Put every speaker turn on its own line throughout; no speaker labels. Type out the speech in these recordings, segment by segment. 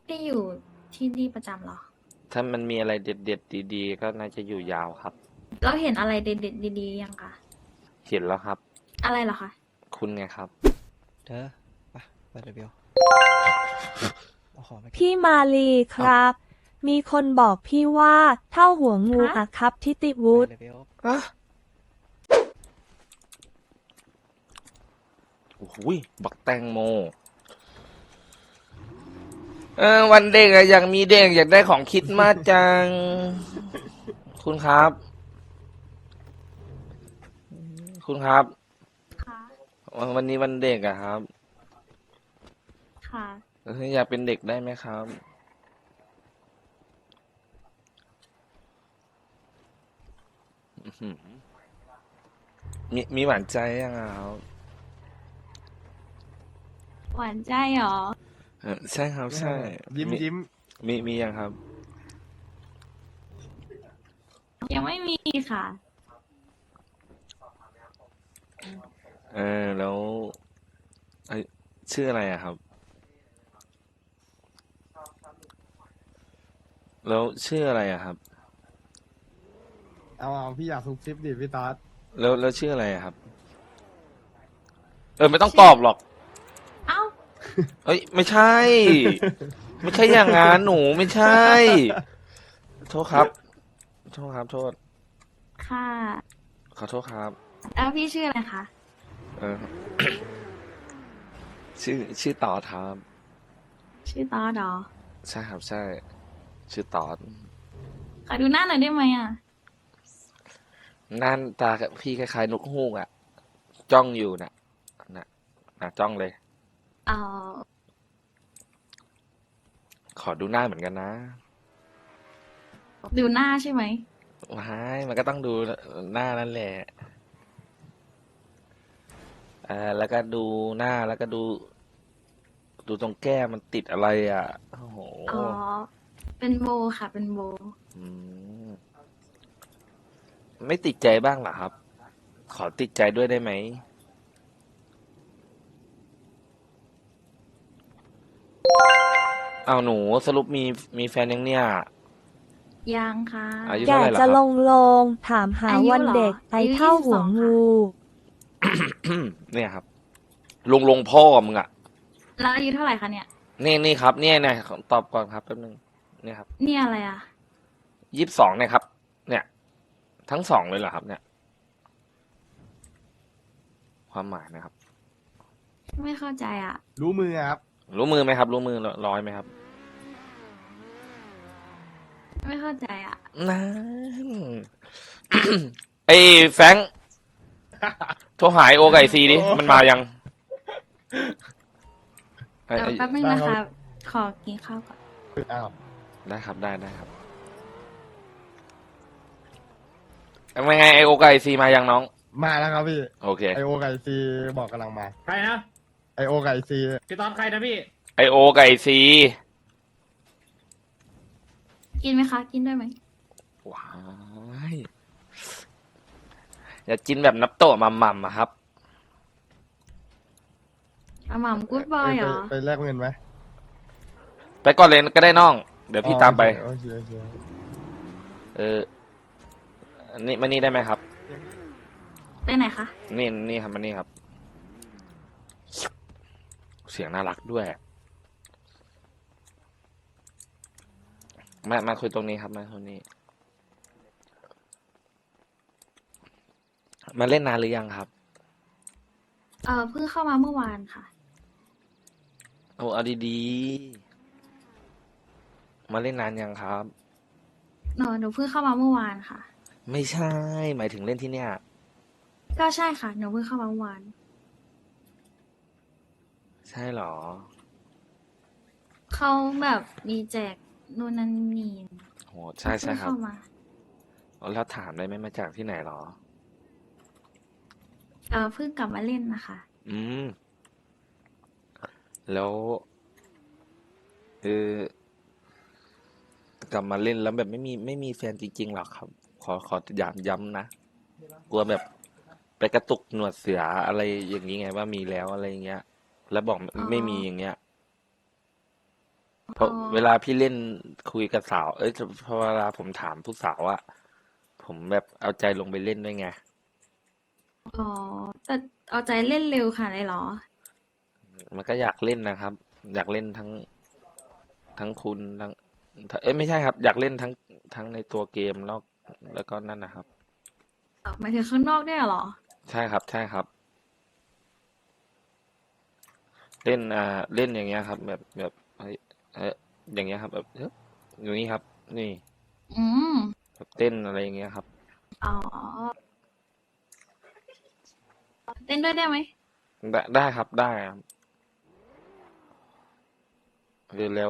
พี่อยู่ที่นี่ประจำเหรอ
ถ้ามันมีอะไรเด็ดๆดีๆก็น่าจะอยู่ยาวครับ
แล้วเห็นอะไรเด็ดๆดีๆยังคะ
เห็นแล้วครับ
อะไรเหรอคะ
คุณไงครับ
เธอไปเดี๋ยวเบลเอาของไปเก็บ
พี่มาลีครับ มีคนบอกพี่ว่าเท่าหัวงูอะครับทิติวุฒิ
ไปเดี๋ยวเบล
อะโอ้โหบักแตงโมวันเด็กอะอยากมีเด็กอยากได้ของคิดมากจัง คุณครับ คุณครับ
ค่ะ
วันนี้วันเด็กอะครับ
ค่ะ
อยากเป็นเด็กได้ไหมครับอื้อหือมีหวานใจยังอะครับ
หวานใจเหรอ
ใช่ครับใช่
ยิ้ม
มี
ยิ้ม
มียังครับ
ยังไม่มีค่ะ
แล้วเอ้ยชื่ออะไรอะครับ แล้วชื่ออะไรอะครับ
เอาพี่อยากซุบซิบดิพี่ต๊อด
แล้วชื่ออะไรอะครับ ไม่ต้องตอบหรอก
เอ้า
เอ้ยไม่ใช่ ไม่ใช่อย่างงั้นหนูไม่ใช่ โทษครับ โทษครับ โทษ
ค่ะ
ขอโทษครับ
แล้วพี่ชื่ออะไรคะ
เออ ชื่อตอดครับ
ชื่อตอดเหรอ
ใช่ครับใช่ ชื่อตอด
ขอดูหน้าหน่อยได้ไหมอ่ะ
นั่นตากับพี่คล้ายๆนกฮูกอะจ้องอยู่น่ะจ้องเลย
เอ่อ
ขอดูหน้าเหมือนกันนะ
ดูหน้าใช่ไหม
ว้ายมันก็ต้องดูหน้านั่นแหละแล้วก็ดูหน้าแล้วก็ดูตรงแก้มมันติดอะไรอ่ะโอ้โห
อ๋อ เป็นโบค่ะ เป็นโบ
อืมไม่ติดใจบ้างเหรอครับ ขอติดใจด้วยได้ไหมเอาหนูสรุปมีแฟนยังเนี่ย
ยังค่ะ
อายุ
แก
เท่าไหร่ล่ะ
จะ
ค
ล
รับ
งถามหา
อายุ
วัน
เหรอ
เด็กไอ
อายุ
เท่าหัว
22
งู
เนี่ยครับลงพ่อมึงอ่ะ
แล้วอายุเท่าไหร่คะเนี่ย
นี่ครับเนี่ยตอบก่อนครับแป๊บนึงเนี่ยครับ
เนี่ยอะไรอ่ะ
22เนี่ยครับ เนี่ย ทั้งสองเลยเหรอครับ เนี่ย ความหมายนะครับ
ไม่เข้าใจอ่ะ
รู้มือครับ
รู้มือไหมครับ รู้มือร้อยไหมครับ
ไม่เข้าใจอ่ะ
นั่น ไอ้แฟรงค์โทรหายโอไก่ซีดิ มันมายังไอ้
เดี๋ยวแป๊บนึง
ได้
นะ
ครั
คะ
บ
ขอกินข้าวก่อน
อ้าว
ได้ครับได้ครับเป็นไงไอโอไก่ซีมายังน้อง
มาแล้วครับพี่
โอเค
ไอโอไก่ซีบอกกำลังมา
ใครนะ
ไอโอไก่ซี
พี่ตอนใครนะพี่
ไอโอไก่ซี
กินไหมคะ กินได้ไหม
ว้ายอย่ากินแบบนับโตะมัมอะครับ
อาหม่ำกู๊ดบอยเหรอ
ไปแลกเงินไหม
ไปก่อนเลยก็ได้น้อง เดี๋ยวพี่ตามไป
โอเค
เออนี่มานี่ได้ไหมครับ
ไปไหนคะ
นี่ครับมานี่ครับ เสียงน่ารักด้วย มาคุยตรงนี้ครับมาตรงนี้ มาเล่นนานหรือยังครับ
เพิ่งเข้ามาเมื่อวานค่ะ
โอ้เอาดีๆ มาเล่นนานยังครับ
หนูเพิ่งเข้ามาเมื่อวานค่ะ
ไม่ใช่ หมายถึงเล่นที่เนี่ย
ก็ใช่ค่ะ หนูเพิ่งเข้ามาเมื่อวาน
ใช่เหรอ
เขาแบบมีแจกนู่นนั่นนี่
โหใช่ครับ
เพิ่งเข้ามา
แล้วถามได้ไหมมาจากที่ไหนเหรอ
เพิ่งกลับมาเล่นนะคะ
อืม แล้วเออกลับมาเล่นแล้วแบบไม่มีแฟนจริงๆหรอครับ ขอย้ำนะ กลัวแบบไปกระตุกหนวดเสืออะไรอย่างนี้ไงว่ามีแล้วอะไรอย่างเงี้ย แล้วบอก
อ๋อ
ไม่มีอย่างเงี้ยราะ
อ๋อ
เวลาพี่เล่นคุยกับสาว เอ้ยพอเวลาผมถามผู้สาวอะผมแบบเอาใจลงไปเล่นด้วยไง
อ๋อแต่เอาใจเล่นเร็วค่ะเลยเหรอ
มันก็อยากเล่นนะครับ อยากเล่นทั้งคุณเอ้ยไม่ใช่ครับ อยากเล่นทั้งในตัวเกมแล้วก็นั่นนะครับ
หมายถึงข้างนอกด้วยเหรอ
ใช่ครับ ใช่ครับ เล่นเล่นอย่างเงี้ยครับ แบบเฮ้ยอย่างเงี้ยครับแบบอย่างนี้ครับ นี่
อืม
แบบเต้นอะไรอย่างเงี้ยครับ
อ๋อเต้นด้วยได้ไหม
ได้ครับได้ครับแล้ว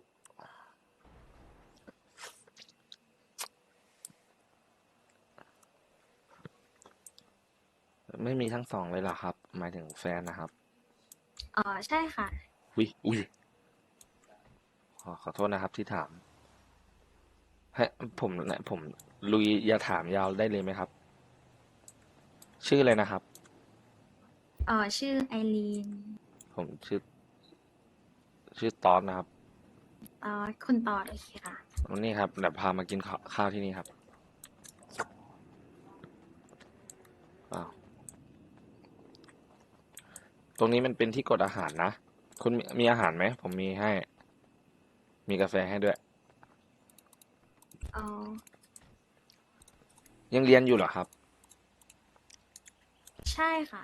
ไม่มีทั้งสองเลยเหรอครับ หมายถึงแฟนนะครับ
อ๋อใช่ค่ะ
อุ้ยขอโทษนะครับที่ถามให้ผมลุยอย่าถามยาวได้เลยไหมครับ ชื่ออะไรนะครับ
ชื่อไอรีน
ผมชื่อตอนนะครับ
คุณตอดโอเคค่ะ
วันนี้ครับเดี๋ยวพามากินข้าวที่นี่ครับอ้าวตรงนี้มันเป็นที่กดอาหารนะ คุณมีอาหารไหม ผมมีให้ มีกาแฟให้ด้วย
อ๋อ
ยังเรียนอยู่เหรอครับ
ใช่ค่ะ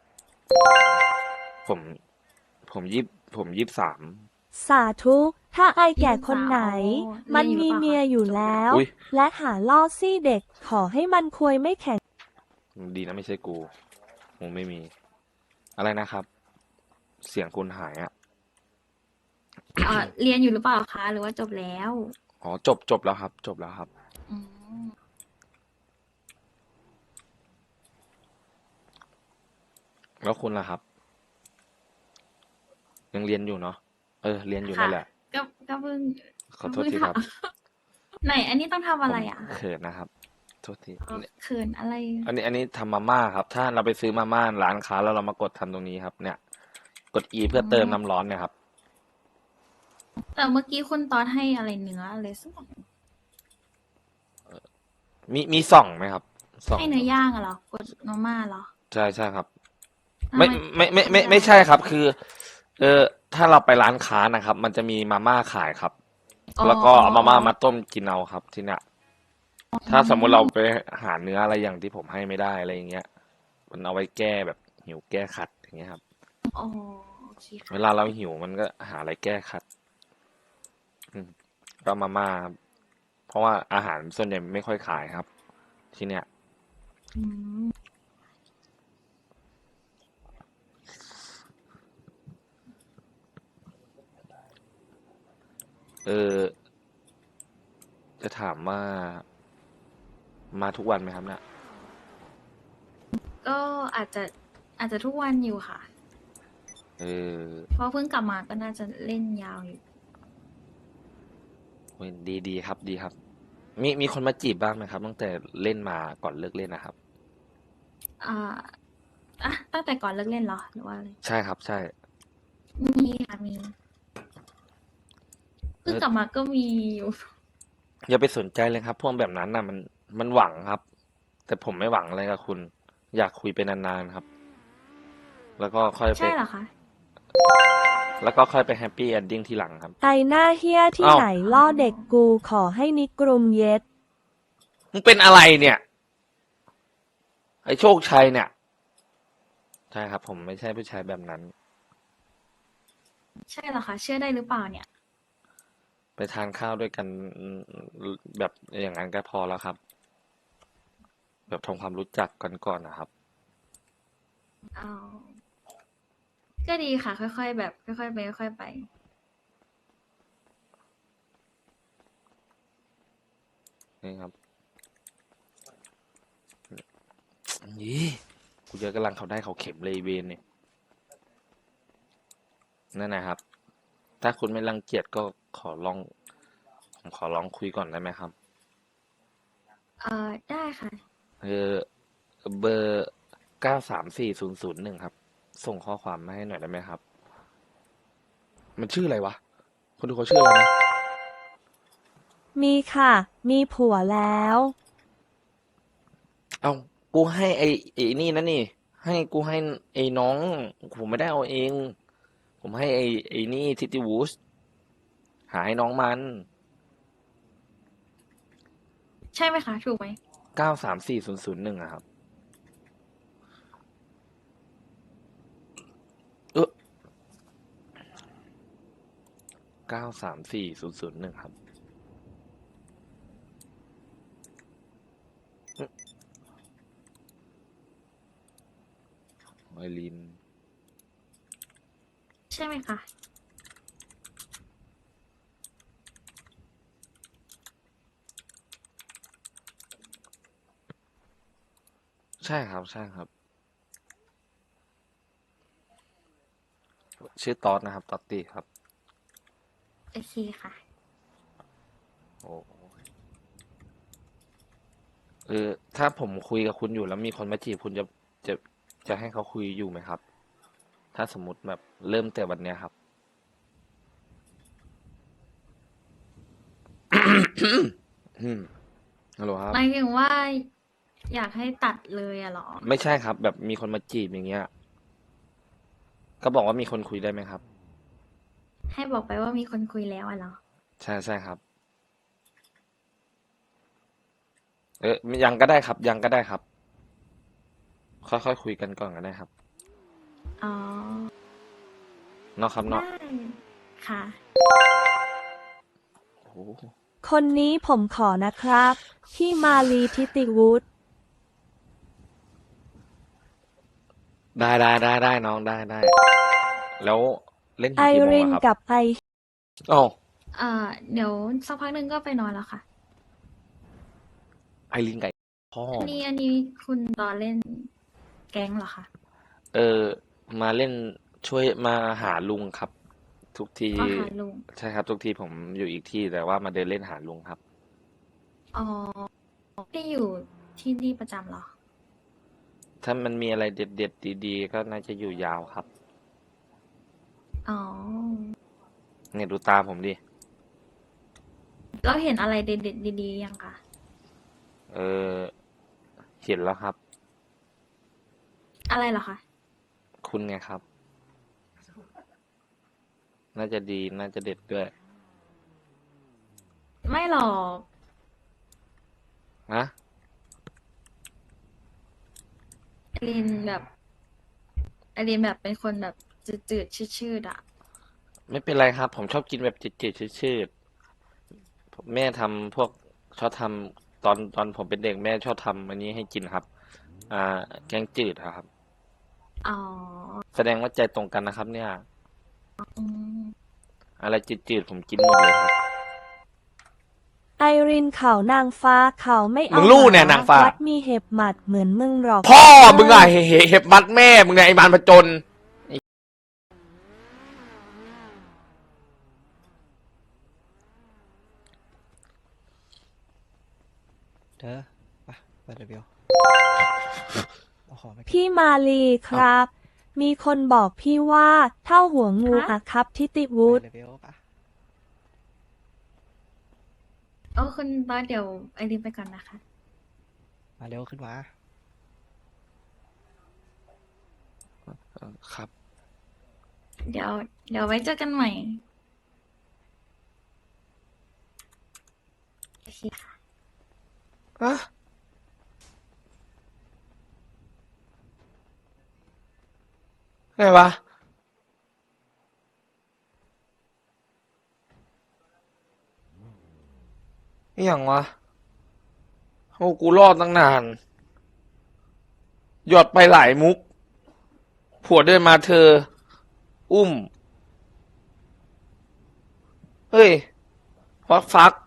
ผมผม23
สาธุ ถ้าไอแก่คนไหน
อ๋อ
มัน
เรี
มี
ยนอยู่หรือเปล่าคะ
เมียอยู่แล้ว
อุ๊ย
และหาล่อซี่เด็ก ขอให้มันควยไม่แข็ง
ดีนะไม่ใช่กูไม่มี อะไรนะครับ เสียงคุณหายอ่ะ
เรียนอยู่หรือเปล่าคะ หรือว่าจบแล้ว
อ๋อจบแล้วครับ จบแล้วครับ
อืม
แล้วคุณล่ะครับ ยังเรียนอยู่เนาะเรียนอยู่
ค่ะ
นั่นแหละ
ก็เพิ่ง
ขอโทษทีครับ
ไหน อันนี้ต้องทำอะไรอ่ะ
ผมเขินนะครับ โทษที
เขินอะไร
อันนี้ทำมาม่าครับ ถ้าเราไปซื้อมาม่าร้านค้าแล้วเรามากดทำตรงนี้ครับ เนี่ย กด E เพื่อเติมน้ำร้อนเนี่ยครับ
แต่เมื่อกี้คุณตอดให้อะไรเนื้ออะไรสักอย่าง
มีส่องไหมครับส่อง
ให้เนื้อย่างอะเหรอกดมาม่าเหรอ
ใช่ครับ
ทำ
ไม่ใช่ครับ คือ ถ้าเราไปร้านค้านะครับ มันจะมีมาม่าขายครับ
อ๋อ
แล้วก็เอามาม่ามาต้มกินเอาครับ ที่เนี่ย ถ้าสมมุติเราไปหาเนื้ออะไรอย่างที่ผมให้ไม่ได้อะไรอย่างเงี้ย มันเอาไว้แก้แบบหิวแก้ขัดอย่างเงี้ยครับ
อ๋อโอเคค่ะ
เวลาเราหิวมันก็หาอะไรแก้ขัด ก็มาม่าครับ เพราะว่าอาหารส่วนใหญ่ไม่ค่อยขายครับ ที่เนี่ย
อืม
จะถามว่ามาทุกวันไหมครับเนี่ย
ก็อาจจะทุกวันอยู่ค่ะ
เออ
เพราะเพิ่งกลับมาก็น่าจะเล่นยาวอยู่
ดีครับดีครับ มีคนมาจีบบ้างไหมครับ ตั้งแต่เล่นมาก่อนเลิกเล่นนะครับ
อ่าตั้งแต่ก่อนเลิกเล่นเหรอ หรือว่าอะไร
ใช่ครับ ใช่
มีค่ะมีเพิ่งกลับมาก็มีอยู่
อย่าไปสนใจเลยครับ พวกแบบนั้นน่ะมันหวังครับ แต่ผมไม่หวังอะไรกับคุณ อยากคุยไปนานๆครับ แล้วก็ค่อยไป
ใช่เหรอคะ
แล้วก็ค่อยไปแฮปปี้เอนดิ้งทีหลังครับ
ไอหน้าเฮียที่
อ้าว
ไหนล่อเด็กกูขอให้นิกรุมเย็ด
มึงเป็นอะไรเนี่ย ไอ้โชคชัยเนี่ย ใช่ครับ ผมไม่ใช่ผู้ชายแบบนั้น
ใช่เหรอคะ เชื่อได้หรือเปล่าเนี่ย
ไปทานข้าวด้วยกันแบบอย่างนั้นก็พอแล้วครับ แบบทำความรู้จักกันก่อนนะครับ
เอาก็ดีค่ะ ค่อยๆแบบค่อยๆไปค่อยๆไป
นี่ครับยี่กูเจอกำลังเขาได้เขาเข็มเลยเวนเนี่ยนั่นนะครับ ถ้าคุณไม่รังเกียจก็ผมขอลองคุยก่อนได้ไหมครับ
ได้ค่ะ
เบอร์9340001ครับ ส่งข้อความมาให้หน่อยได้ไหมครับ มันชื่ออะไรวะคนดูเขาชื่ออะไรนะ
มีค่ะ มีผัวแล้ว
เอากูให้ไอ้นี่นะนี่ ให้กูให้ไอ้น้อง ผมไม่ได้เอาเอง ผมให้ไอ้นี่ทิติวูสหาให้น้องมัน
ใช่ไหมคะ ถูกไหม
934001อะครับ 934001ครับไอริน
ใช่ไหมคะ
ใช่ครับ ใช่ครับ ชื่อตอดนะครับ ตอตตี้ครับ
โอเคค่ะ
โอ้ถ้าผมคุยกับคุณอยู่แล้วมีคนมาจีบคุณจะจะให้เขาคุยอยู่ไหมครับ ถ้าสมมติแบบเริ่มแต่วันเนี้ยครับ ฮัลโหลครับ
หมายถึงว่าอยากให้ตัดเลยอะเหรอ
ไม่ใช่ครับ แบบมีคนมาจีบอย่างเงี้ย ก็บอกว่ามีคนคุยได้ไหมครับ
ให้บอกไปว่ามีคนคุยแล้วอะเหรอ
ใช่ใช่ครับ ยังก็ได้ครับ ยังก็ได้ครับ ค่อยๆคุยกันก่อนก็ได้ครับ
อ๋อ
เนาะครับ
ได้
เนาะ
ค่ะ
โอ้โห
คนนี้ผมขอนะครับพี่มาลีทิติวุฒิ
ได้น้องได้ แล้วเล่นถึ
ไอง
กี่โมง
ริน
อะครับ
กับไอ
อ๋อ
เดี๋ยวสักพักหนึ่งก็ไปนอนแล้วค่ะ
ไอรินไก่พ่อ
อันนี้คุณตอนเล่นแก๊งเหรอคะ
มาเล่นช่วยมาหาลุงครับ ทุกที
อ๋อหาลุง
ใช่ครับ ทุกทีผมอยู่อีกที่แต่ว่ามาเดินเล่นหาลุงครับ
อ๋อไม่อยู่ที่นี่ประจำเหรอ
ถ้ามันมีอะไรเด็ดๆดีๆก็น่าจะอยู่ยาวครับ
อ๋อ
เนี่ยดูตาผมดิ
แล้วเห็นอะไรเด็ดๆดีๆยังคะ
เออเห็นแล้วครับ
อะไรเหรอคะ
คุณไงครับ น่าจะดีน่าจะเด็ดด้วย
ไม่หรอก
นะ
ไอรินแบบเป็นคนแบบจืดๆชืดๆอะ
ไม่เป็นไรครับ ผมชอบกินแบบจืดๆชืดๆแม่ทำพวกชอบทำตอนผมเป็นเด็กแม่ชอบทำอันนี้ให้กินครับ แกงจืดอะครับ
อ๋อ
แสดงว่าใจตรงกันนะครับ เนี่ย
อืม
อะไรจืดๆผมกินหมดเลยครับ
ไอรินเขานางฟ้าเขาไม่เอา
มึงรู้เนี่ยนางฟ้า
วัดมีเห็บหมัดเหมือนมึงหรอก
พ่อมึงอะเห็บมัดแม่มึงไงไอ้มารผจญ
เธอไปเดี๋ยวเบลเอาของไปเก็บ
พี่มาลีครับ มีคนบอกพี่ว่าเท่าหัวงูอะครับทิติวุฒิ
ไปเดี๋ยวเบลปะ
โอ้คุณตอนเดี๋ยวไอรินไปก่อนนะคะ
มาเร็วขึ้นมา
ครับ
เดี๋ยวไว้เจอกันใหม่ โอเคค่ะ
อะไงวะอหย่างวะโอ้กูรอดตั้งนาน หยอดไปหลายมุก ผัวเดินมาเธอ อุ้ม เฮ้ยฟัก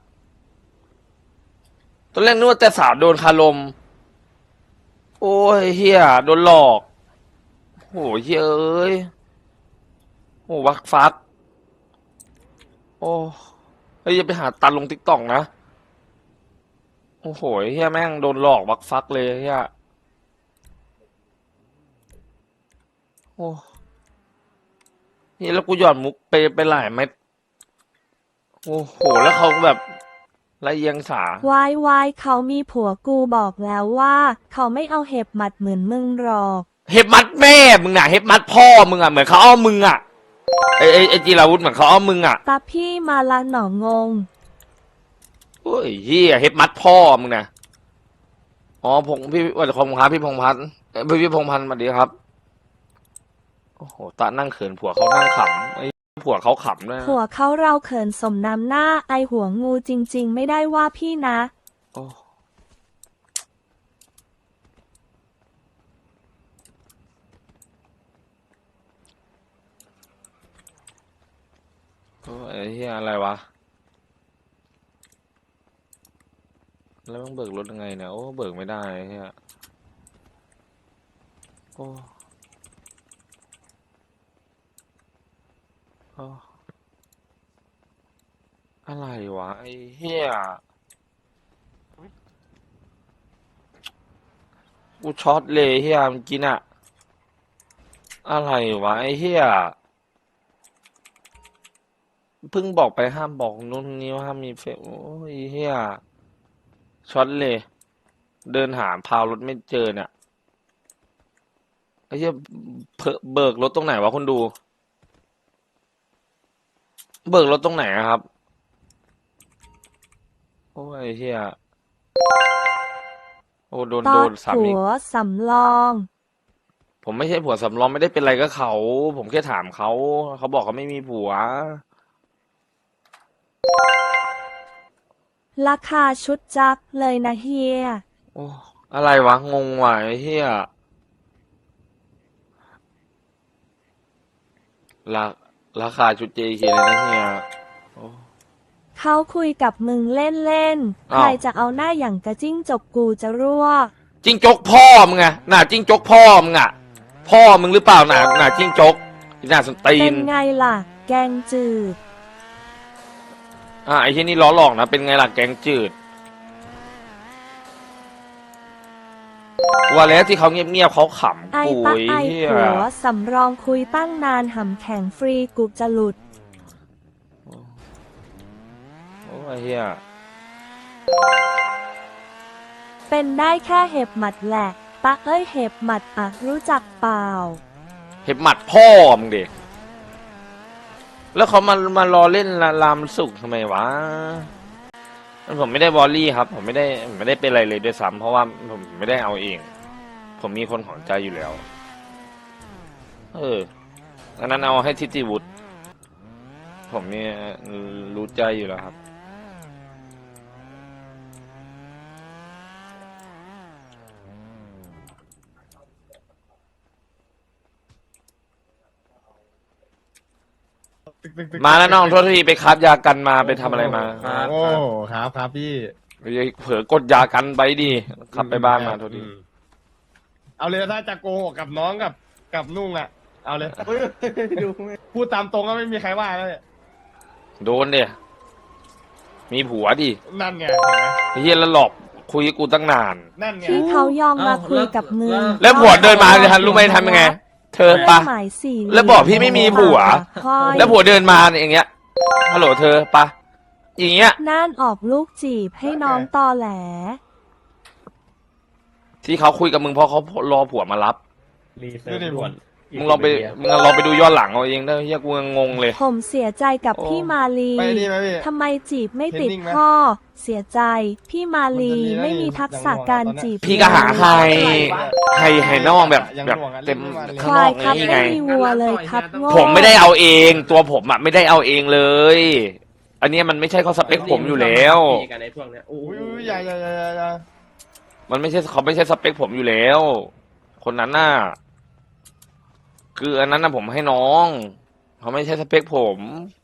ตอนแรกนึกว่าแต่สาวโดนคารม โอ้ยเฮียโดนหลอกโหเฮียเอ้ยโอ้ฟัก โอ้เฮ้ยอย่าไปหาตันลงติ๊กต็อกนะ โอ้โหเฮียแม่งโดนหลอกฟักเลยเฮียโอ้นี่แล้วกูหย่อนมุกไปหลายเม็ดโอ้โหแล้วเขาแบบละเอียงสา
วายเขามีผัวกูบอกแล้วว่า เขาไม่เอาเห็บหมัดเหมือนมึงหรอก
เห็บมัดแม่มึงน่ะเห็บมัดพ่อมึงอ่ะเหมือนเขาเอามึงอ่ะไอจีราวุธเหมือนเขาเอามึงอ่ะ
ตาพี่มาละหนองง
โอ้ยเฮียเห็บมัดพ่อมึงน่ะอ๋อพี่วันคงครับพี่พงษ์พัฒน์พี่พงษ์พันธ์สวัสดีครับโอ้โหตานั่งเขินผัวเขานั่งขำไอ้ผัวเขาขำด้วยนะ
ผัวเขาเราเขินสมน้ำหน้าไอหัวงูจริง ๆ ไม่ได้ว่าพี่นะ
โอ้โอ้ยไอ้เฮียอะไรวะแล้วมึงเบิกรถยังไงเนี่ยโอ้เบิกไม่ได้ไอ้เฮียโอ้โอ้อะไรวะไอ้เฮียกูช็อตเลยเฮียเมื่อกี้น่ะอะไรวะไอ้เฮียเพิ่งบอกไปห้ามบอกนู่นนี่ว่าห้ามมีเฟซโอ้ยเฮียช็อตเลย เดินหาพาวรถไม่เจอเนี่ยไอ้เหี้ยเบิกรถตรงไหนวะคุณดู เบิกรถตรงไหนอะครับ โอ้ยไอ้เหี้ยโอ้โด
ตอด
นสาม
ผั
อีก
วสำรอง
ผมไม่ใช่ผัวสำรองไม่ได้เป็นไรก็เขา ผมแค่ถามเขา เขาบอกเขาไม่มีผัว
ราคาชุดจักเลยนะเฮีย
โอ้อะไรวะ งงว่ะไอ้เหี้ยราราคาชุด JK เลยนะเฮียโอ้
เขาคุยกับมึงเล่นๆ
อ้าว
ใครจะเอาหน้าอย่างกระจิ้งจกกูจะรั่ว
จิ้งจกพ่อมึงไงหน้าจิ้งจกพ่อมึงอ่ะ พ่อมึงหรือเปล่าหน้าจิ้งจกหน้าสนตี
เป็น นไงล่ะ แกงจืด
ไอ้ที่นี่ล้อหลอกนะเป็นไงล่ะแกงจืดว่าแล้วที่เขาเงียบๆเขาขำ
ไอ
กู
ตะ
ไอ้
ไอ
เหี้ย
ผัวสำรองคุยตั้งนานหำแข็งฟรีกูจะหลุด
โอ้ไอ้เหี้ย
เป็นได้แค่เห็บหมัดแหละตะเอ้ยเห็บหมัดอ่ะรู้จักเปล่า
เห็บหมัดพ่อมึงเด็กแล้วเขามารอเล่นลามสุกทำไมวะผมไม่ได้วอลลี่ครับ ผมไม่ได้เป็นอะไรเลยด้วยซ้ำเพราะว่าผมไม่ได้เอาเอง ผมมีคนของใจอยู่แล้ว อันนั้นเอาให้ทิติวุฒิผมเนี่ยรู้ใจอยู่แล้วครับมาแล้วน้องโทษทีไปคับยากันมาไปทำอะไรมา
โอ้ครับพี่
เผลอกดยากันไปดิขับไปบ้านมาโทษที
เอาเลยถ้าจะโกหกกับน้องกับนุ่งอ่ะ เอาเลยพูดตามตรงก็ไม่มีใครว่าแล้วเนี่ย
โดนเดียมีผัวดิ
นั่นไงเห็นไหม
ไอ้เฮียแล้วหลอกคุยกับกูตั้งนาน
นั่นไง
ที่เขายอมมาคุยกับมึง
แล้วผัวเดินมาเลยทันรู้ไหมทำยังไง เธอปะ
หมายสี่เหยญ
แล้วบอกพี่ไม่มีผัว
ค่อย
แล้วผัวเดินมาอย่างเงี้ยฮัลโหลเธอปะอย่างเงี้ย
น่านออกลูกจีบให้น้องตอแหล
ที่เขาคุยกับมึงเพราะเขารอผัวมารับ
ดูดิผม
มึงลองไปดูย้อนหลังเอาเองได้เฮียกูยังงงเลย
ผมเสียใจกับ
โอ้
พี่มาลี
ไปนี่ไหมพี่
ทำไมจีบไม่ติด
เห็นนิ่งไหม
ข้อ เสียใจ พี่มาลีไม่มีทักษะการจีบ
พี่ก็หาให้น้องแบบเต็ม
ค
ข้างน
วา
อย ก
ครับ
นี่
ไม่
ไง
มีวัวเลยครับโง่
ผมไม่ได้เอาเองตัวผมอ่ะไม่ได้เอาเองเลย อันเนี้ยมันไม่ใช่เขาสเปคผมอยู่แล้ว
กันในพวกเนี้ยโอ้
อุ้
ย
ยอย่า
มันไม่ใช่เขาไม่ใช่สเปคผมอยู่แล้ว คนนั้นน่ะคืออันนั้นน่ะผมให้น้องเขาไม่ใช่สเปคผม